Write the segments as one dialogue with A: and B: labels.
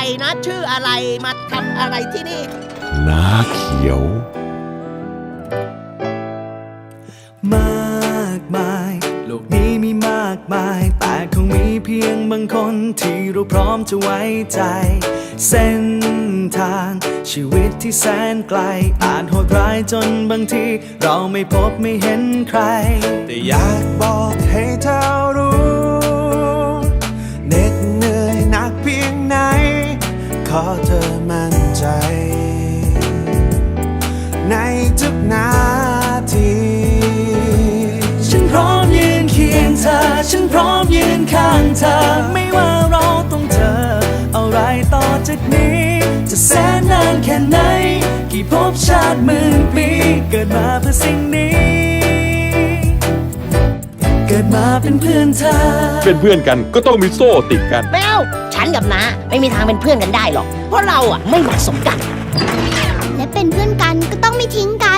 A: นะชื่ออะไรมาทำอะไรที่นี่
B: น้าเขียว
C: มากมายโลกนี้มีมากมายแต่คงมีเพียงบางคนที่เราพร้อมจะไว้ใจเส้นทางชีวิตที่แสนไกลอาจโหดร้ายจนบางทีเราไม่พบไม่เห็นใครแต่อยากบอกให้เธอรู้เหน็ดเหนื่อยหนักเพียงไหนขอเธอมั่นใจในทุกนาทีฉันพร้อมยืนเคียงเธอฉันพร้อมยืนข้างเธอไม่ว่าเราต้องเจออะไรต่อจากนี้จะแสนนานแค่ไหนกี่ภพชาติหมื่นปีเกิดมาเพื่อสิ่งนี้เกิดมาเป็นเพื่อนเธอ
B: เป็นเพื่อนกันก็ต้องมีโซ่ติดกัน
A: แมวฉันกับน้าไม่มีทางเป็นเพื่อนกันได้หรอกเพราะเราอ่ะไม่เหมาะสมกัน
D: และเป็นเพื่อนกันก็ต้องไม่ทิ้งกัน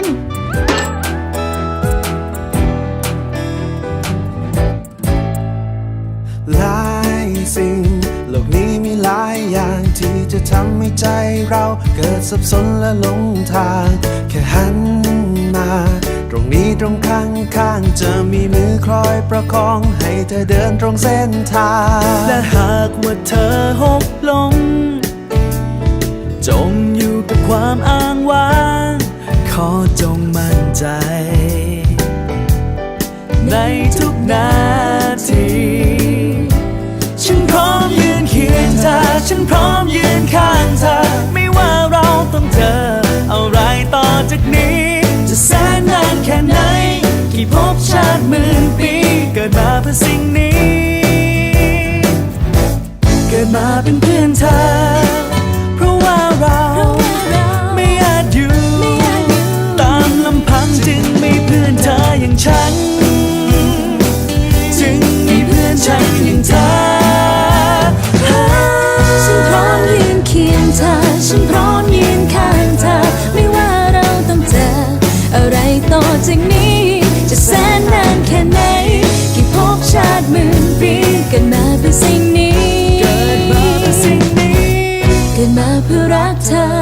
C: หลายสิ่งโลกนี้มีหลายอย่างที่จะทำให้ใจเราเกิดสับสนและหลงทางแค่หันมาตรงนี้ตรงข้างจะมีมือคอยประคองให้เธอเดินตรงเส้นทางและหากว่าเธอหกล้มจมอยู่กับความอ้างว้างขอจงมั่นใจในทุกนาทีฉันพร้อมยืนเคียงเธอฉันพร้อมยืนข้างเธอไม่ว่าเราต้องเจออะไรต่อจากนี้จะแสนนานแค่ไหนกี่ภพชาติหมื่นปีเกิดมาเพื่อสิ่งนี้เกิดมาเป็นเพื่อนเธอเพราะว่าเราไม่อาจอยู่ตามลำพังจึงมีเพื่อนเธออย่างฉันจึงมีเพื่อนฉันอย่างเธอ
D: ฉันพร้อมยืนเคียงเธอฉันพร้อมยืนข้างเธอไม่ว่าเราต้องเจออะไรต่อจากนี้จะแสนนานแค่ไหนกี่ภพชาติหมื่นปีเกิดมาเพื่อสิ่งนี้เกิดมาเพื่อรักเธอ